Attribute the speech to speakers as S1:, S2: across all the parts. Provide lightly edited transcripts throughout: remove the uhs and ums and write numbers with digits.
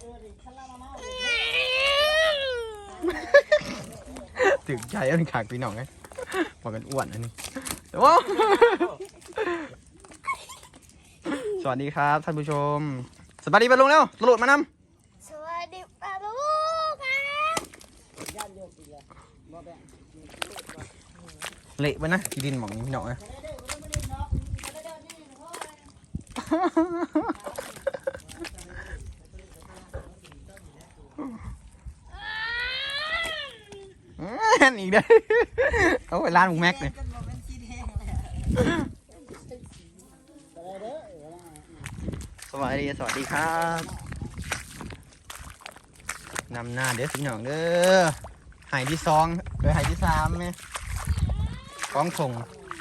S1: ถึงใจอันขาดพี่น้องไงบอกกันอ้วนอันนี้ว้าวสวัสดีครับท่านผู้ชมสวัสดีไปลุงเร็วตำรวจมานำ
S2: สวัสดีป้าลูกครับ
S1: เละไปนะที่ดินหมองพี่น้องไงอีกได้เอาไปร้านหมูแม็กเลยสวัสดีครับนำหน้าเด้อสิหน่องเด้อหายที่2เลยหายที่3ไหมกองถง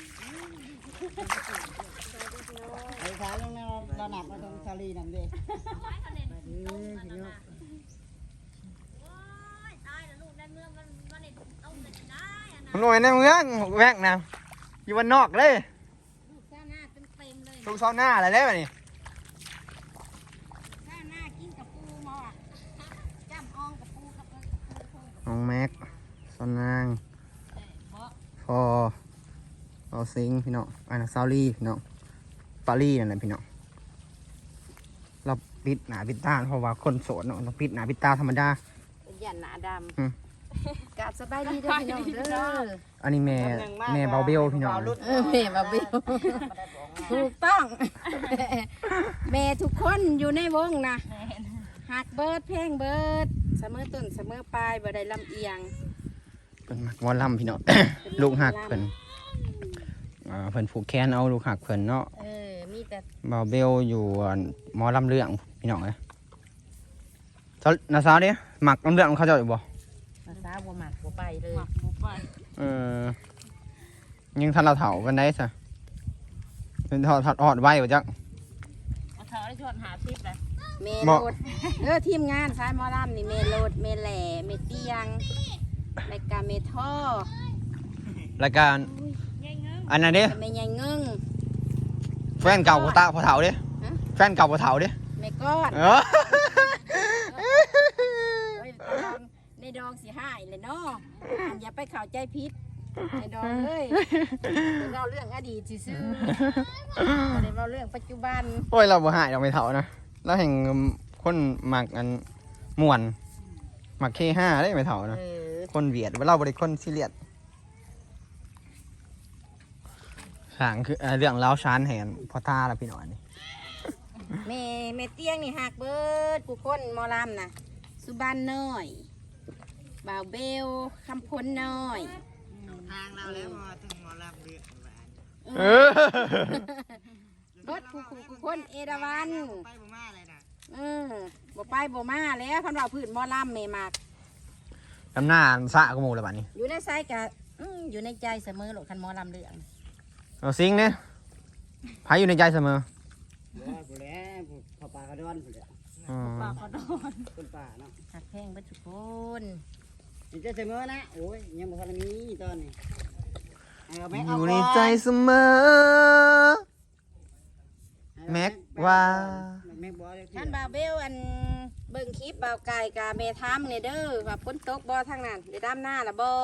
S3: ไอ้ขาลงเราหนักมาตรงซาลีนั่นดิ
S1: หน่วยในเมืองแวกนะอยู่วันนอกเลยลูกซ้าหน้าเต็มเลยลูกซ้าหน้าอะไรได้ป่ะนี่
S2: ซ้าหน้ากินกับปูหมอจ้ำอองกับปูกับ
S1: น้องแม็กซ้านางพอเอาซิงพี่น้องอันนั้นซาลี่พี่น้องปารีนั่นแหละพี่น้องเราปิดหนาปิดตาเพราะว่าคนโสดเนาะเราปิดหนาปิดตาธรรมดา
S2: ยันหนาดำกาบสบายดีเด้อพี่น้องเด้อ
S1: อันนี้แม่เบาเบลพี่น้อง
S2: แม่เบาเบลถูกต้องแม่ทุกคนอยู่ในวงนะหักเบิร์ดเพลงเบิร์ดเสมอต้นเสมอปลายบ่ได้ลำเอียง
S1: เป็นมักวอลลัมพี่น้อง ลูกหักเพิ่นเพิ่นผูกแขนเอาลูกหักเพิ่นเนาะ
S2: มีแต่
S1: เบาเบลอยู่หมอลำเรื่องพี่น้องเลยนาซาดิหมักลำเรื่องเขาเจ้าอยู่บ่
S2: นาซาบัวหมักบัวไปเลย
S1: ยังทันเราเถากันได้ซะเป็นทอดไว้บ่จัก
S2: เถาได้ทอดหาทิพย์เลยเมโลดทีมงานสายหมอลำนี่เมโลดเมแหล่เมเตียงรายการเมท่อ
S1: รายการอันนั้นดิ
S2: เมยเงิง
S1: แฟนเก่าพอเถาดิแฟนเก่าพอเถาดิ
S2: เมก้อนในดองสิหายเลยเนาะอย่าไปเข้าใจผิดในดองเลยเราเรื่องอดีตซื่อๆเดี๋ยวเราเรื่องปัจจุบัน
S1: โอ้ยเราบ่หายเราไม่เถานะเราแห่งคนหมักอันม่วนหมักK5ได้ไม่เถานะคนเวียดว่าเราบริคนซีเรียสสางคือเรื่องเล้าชานแหนพอท่าแล้วพี่หน่อยนี่
S2: เมเตียงนี่หักเบิร์ดกูคนมอลำนะสุบันน้อยบ่าวเบลคำพ้นน้อย
S3: ทางเราแล้วพอถึงมอลำเดือด
S2: รถกูคนเอราวัน
S3: ไปบ่มาเลยนะ
S2: บ่ไปบ่มาแล้วพันว่าพื้นมอลำเมมาก
S1: ลำหน้าสะกมูเลยบ้านี้
S2: อยู่ในไซกะอยู่ในใจเสมอหลดคันมอลำเรื่อง
S1: เอาซิงเนี่ยพายอยู่ในใจเสมอ
S3: ผู้แล้วผู้ป่ากระดอนผู้แล้ว
S2: ป่ากระดอน
S3: คนป่าเนาะ
S2: หักแพงบัดทุกคน
S3: อยู่ใจเสมอนะโอ้ยยังบ่ทันมีตอนนี้
S1: อยู่ในใจเสมอแม็กว่า
S2: ท่านบ่าวเบลอันเบิ่งคลิปบ่าวไก่กับเมทัมเนี่ยเด้อว่าฝนตกบ่ทางนั้นได้ด้ามหน้าละบ่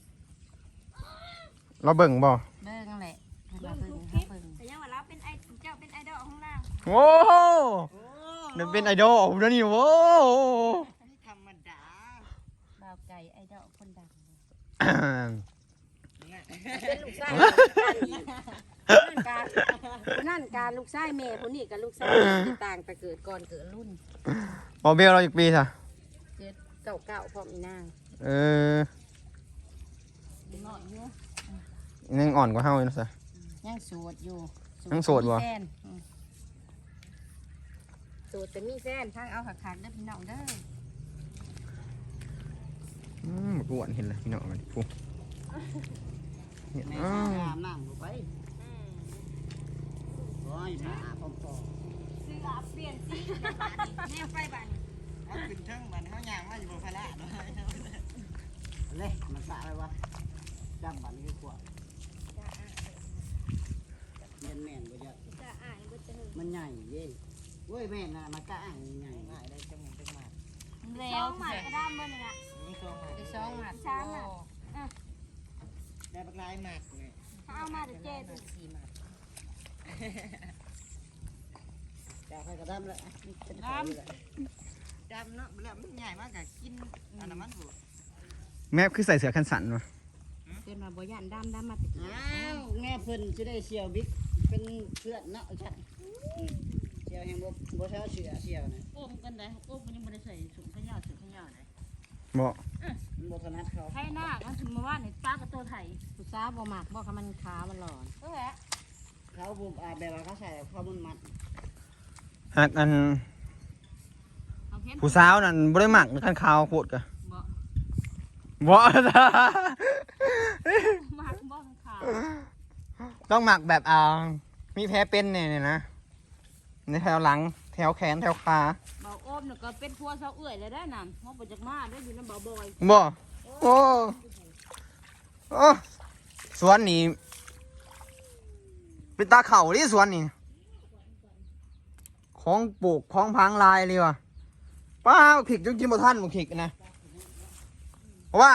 S1: เราเบิ่งบ่
S2: เบิ่งแหละ
S4: เบิ่งทุกคลิปแต่ยังว่าเราเป็นเจ้าเป็นไอดอลของเรา
S1: โอ้นั่นเป็นไอดอลนะนี่โว้
S3: ธรรมดา
S2: บ่าวไก่ไอดอลคนดังเป็นลูกชายนั่นการลูกชายแม่คนนี้กับลูกชายต่างแต่เกิดก่อนเกิดรุ่น
S1: บอเบลเราอีกปีค่ะ
S2: เกิดเก่าพร้อมอีนาง
S1: ยังอ่อนกว่าเฮาอยู่นะสิ
S2: ยังโสดอยู่
S1: ยังโสดบ่
S2: โสดแต่มีแฟนทางเอาขักๆเด้อพี่น้องเด้
S1: ออ้วนเห็นเลยพี่น้องมันปุ๊บ
S3: แม่น้ำลงไปโอ้ยมาพอ
S4: ซื้อเปลี่ยนสีแนวไฟบ้าน
S3: เอาขึ้นเทิงบ้านเขาย่างมาอยู่บนพละด้วยเลยมันสะอะไรวะจับบ้านนี้กว่าแม่นบ่เยอะมันใหญ่เย้เว้ยแม่น่ะมากะอ่างใหญ่ง่ายได้จังหวะจังหวะ
S4: วหมัดกระด้ามเบอร์นี่อ่ะ
S3: นี่ตรง
S2: ไปซ้องหมัด
S4: ช้างอ่ะ
S3: ได้บักลายหมักเนี่ย
S4: เอามาเดี๋ยวเจ๊ดู
S2: 4หมัด
S3: จะให้กระดำเลยดำเนาะแล้วมันใหญ่มากกับกินอันนั้นมันถูก
S1: แม่คือใส่เสื้อคันสันวะ
S2: เกินมาบ่ย่านดำมาตะกี้
S3: อ้าวแม่เพิ่นจะได้เชียวบิ๊กเป็นเพื่อนเนาะใช่เชียวแห่งบ่เช้าเชียวนะ
S5: โอ้มกันได้โอ้มมันยังไม่ได้ใส่ถุงขยะถุงขยะเลย
S1: บ่
S3: มันบ่ถนัดเขา
S5: ไทยหน้ากันถึงมาว่าในป้ากับตัวไทย
S2: ผู้สาวบ่มักบ่ค่ะมันขามันหลอน
S5: ก็แหละ
S3: เขาบุบแบบว่าเขาใส่เขามันมัด
S1: หากอัน
S5: เอาเพ้น
S1: ผู้สาวนั่นบ่ได้หมักคันขาวโคตรกะ
S5: บ่
S1: บ่
S5: มากบ่ขาว
S1: ต้องหมักแบบมีแผลเป็นเนี่ยนะในแถวหลังแถวแขนแถวขา
S5: เบาโอ้มเนี่ยก็เป็นพัวเสาเอื่อยเลยได้นั่นมองไปจากมาได้อยู่น้ำเบาบอย
S1: บ่โอ้โอ้สวนนี่เป็นตาเข่าดิสวนนี่ของปลูกของพังลายเลยว่ะป้าขิกจนกินบ่ทันบ่ขิกนะว่าง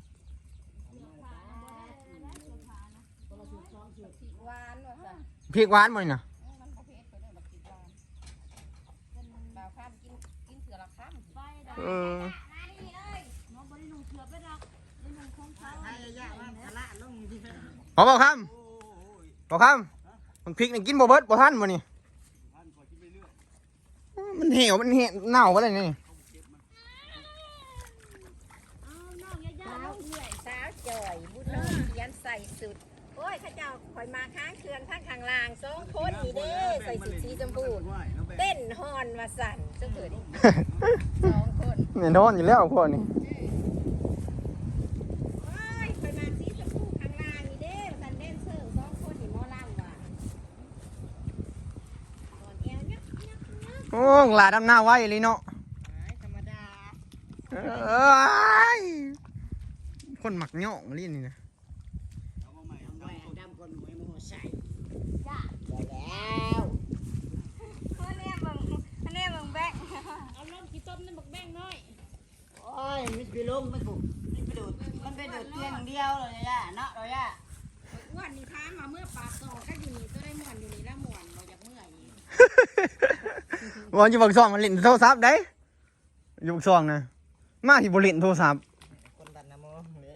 S2: หวานว่าซั่น
S1: พริกหวานบ่นี่น่ะ
S2: มันบ่เผ็ดเพิ่นเอิ้นบักพริกหวานเป็นบ่าวข้ามกินเถื่อละข้าม
S5: ไปได้
S1: เออ
S5: น้องบริลุงเถื่อไปดอกบริลุงของเขา
S3: ไอ้ยะว่าทะละลงที่
S1: ขอบอกคำบอกคำมันพริกนี่กินบ่เบิดบ่ทันบ่นี่มันเหี่ยวมันเน่าบ่ได้นี่
S5: เอาน้องย่า
S2: สาวเอื่อยสาวจ่อยบุญน้องเขียนใส่สุดโอ้ยข้าเจ้าคอยมาค้างเคือนข้างข้างล่าง2คนนี่เด้ใส่สุดสีชมพูเต้นฮอนว่าสั่นจังเถิด2คน
S1: เนี่ยโดนอยู่แล้วพวกนี้
S2: โอ้ยคอยมาสีชมพูข้างล่างนี่เด้สันเดนเซอร์2คนนี่หมอลำว่ะก่อนแอวยักยักยัก
S1: โอ้ลาดำหน้าไว้เลยเนาะ
S3: ธรรมดา
S1: เอ้ยคนหมักเหยาะลิ้นนี่นะ
S3: เอามาใหม่เอาไว้ดำคนหมวยมาใส่
S4: จ้า
S3: แล้ว
S4: อันนี้มึงแบง
S5: เอาลงกี่ต้มนั่นบักแบงน้อย
S3: โอ้ยมิดไปล้มไม่ถูกมิดไปดูดมันไปดูดเตียงเดียวเลยย่าเนาะเลยย่า
S2: อ้วนนี่ท้ามาเมื่อปากโตก็อยู่นี่ตัวได้ม่วนอยู่นี่แล้วม่วนเราอยากเมื่อยอีก
S1: วันอยู่บักซองมันเล่นโทรศัพท์ได้อยู่บักซองนะมาที่บ่เล่นโทรศัพท์
S3: คนดันนะโมเลย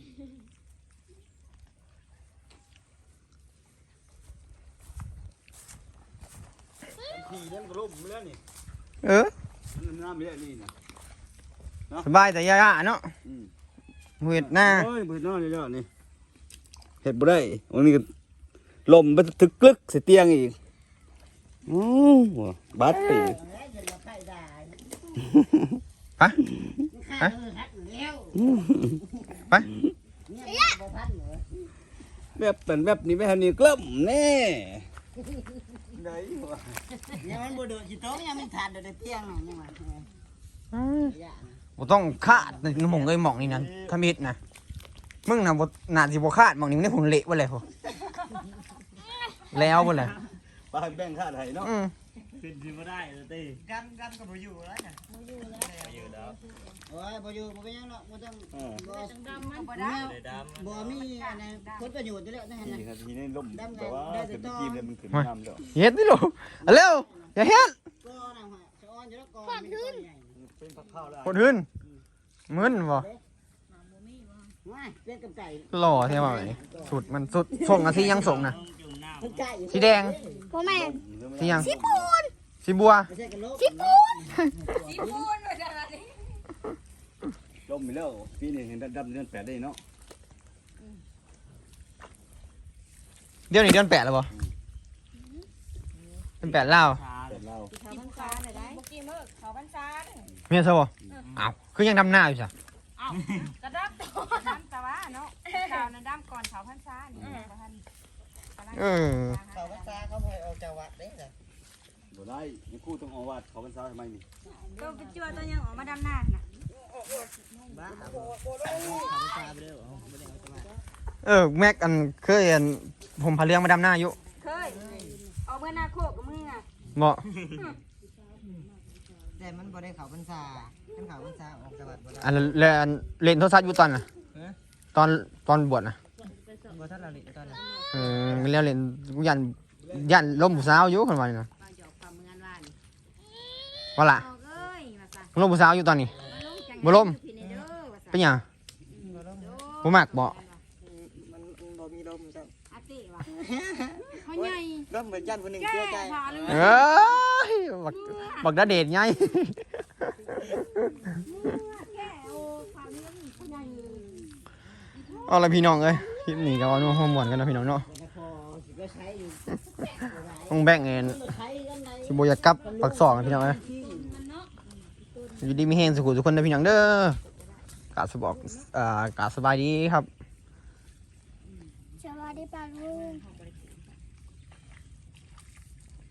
S3: ขี่เล่นกระลุ่มเล่นนี่
S1: เออ
S6: มันน้ำเยอะนี่นะ
S1: สบายแต่ยาๆเนาะเฮ็ดหน้า
S6: โอ้ยเปิดน้ำเยอะๆนี่เห็ดบ่ได้วันนี้ก็ลมไปถึกกลึกใส่เตียงอีกบัดไปอีก
S1: ไป
S3: ข้าหัดแล้ว
S1: ไป
S3: เนี่ยบ่ทันเหรอ
S6: แบบเป็นแบบนี้แบบนี้กล้ำแน่ไหนวะ
S3: เนี่ยมันบ่โดดสิโต๊ะยังมันทานโดดเตียงน่ะยังว่าย่า
S1: บ่ต้องคาดในหม่องเอ้ยหม่องนี่นั่นทำอิดนะมึงน่ะบ่น่าสิบ่คาดหม่องนี้มึงได้ผลเละบ่เลยพอแล้วบ่เลย
S6: ปลาแบ่งค่าไทยเนาะ
S3: เป็นสิบ่ได้เลยติกันก็บ่อยู่แล้วน่ะบ่อยู่แล้วโอ้ยบ่อยู่บ่เป็นหยังเนาะบ่ต้องบ่
S5: จังดำมัน
S3: บ่ได้บ่มีอันนั้นผลประโยชน์อยู่แล้วนั่น
S6: นี่
S3: น่ะ
S6: ครับทีนี้ลมแต่ว่าเป็นตะกี้เนี่ยมันขึ้นน้ำแล้ว
S1: เฮ็ดดิลูกเอาเร็วอย่าเฮ็ด
S3: ก็น่ะฮะสะออนอยู่แล้วก่อนขึ้น
S6: เป็นผักข้าวแล้ว
S1: คนอื่นมึนบ่
S3: ว้ายเป็นกับไก่
S1: หล่อใช่ป่ะนี่สุดมันสุดส่งอะที่ยังส่งนะ
S3: เป็นไก่
S1: สีแดง
S4: พ่อแม่
S1: สียังสีบัว
S3: ไม่ใช่กระโหลก
S4: ญี่ปุ่นว่าจะอะไร
S6: ลมไปแล้วปีนี้เห็นดำเดือน8ได้เนาะ
S1: เดี๋ยวนี้เดือน8แล้วบ่เดือน8แล้ว
S6: แต่เรา
S2: เขาพรรษาเลยได้บ่กี่มื้อเขาพรรษาเด้อ
S1: เมียซะบ่อ้าวคือยังดำหน้าอยู่ซะ
S5: เอากระดับตัว
S2: น้ำตะวะเนาะข่าวนั้นดำก่อนเขาพรรษานี่บ่ทัน
S1: เออ
S3: เขาภาษาเขาให้ออกจากวัดเด้จ้ะ
S6: บ่ได้ยังคู่ต้องออกวัดเขาพรรษาทำไมนี่
S2: ตัวไปจั่วตัวยังออกมาดำหน้าน่ะ
S3: บ้าเขาภาษาไปเด้อไม่ได้เอาจากวัด
S1: แม็กอันเคยอันผมพาเลี้ยงมาดำหน้าอยู่
S2: เคยเอาเมื่อหน้าโคกกับมึงอ่ะ
S1: บ่
S3: เแต่มันบ่ได้เข้าพรรษามันเข้าพรรษาออกจากวัดบ่ได้
S1: อันเล่นโทรศัพท์อยู่ตอนน่ะตอนบวชน่ะ
S3: บ่ทันละลิตอนนั้น
S1: มันแล้วเล่นกูยันล้มผู้สาวอยู่คนว่านี่นะ
S2: บ่หยอกความเมือนว่าน
S1: ว่าล่ะ
S2: เอาเอ้ยว่าซะ
S1: มึงล้มผู้สาวอยู่ตอนนี้
S2: บ่ลงจัง
S1: บ่ล้ม
S2: พี่นี่เด้อว่าซะ
S1: เป็นหยังบ่มักบ่
S3: มันบ่มีลมจัง
S2: อาติว่า
S5: เขาใหญ่
S3: ลมเหมือนยันผู้หนึง
S5: แก้
S3: เชื่อใจ
S5: ผ่าเลย
S1: เอ้ยบักดาเดชไง
S2: แก่โอ้คราวนี้ผู้ใหญ่
S1: เอาละพี่น้องเอ้ยคลิปนี้ก็เอาหัวหมวนกันนะพี่น้องเนาะ
S3: พอสิก็ใช้อยู่
S1: ต้องแบ่งเงิน
S3: ใช้กันไหน
S1: สิบ่อยากกลับปักซอกนะพี่น้องเอ้ยอยู่ดีมีแฮงสุขุทุกคนนะพี่น้องเด้อกราบสบายดีครับ
S4: สวัสดีป้าลุง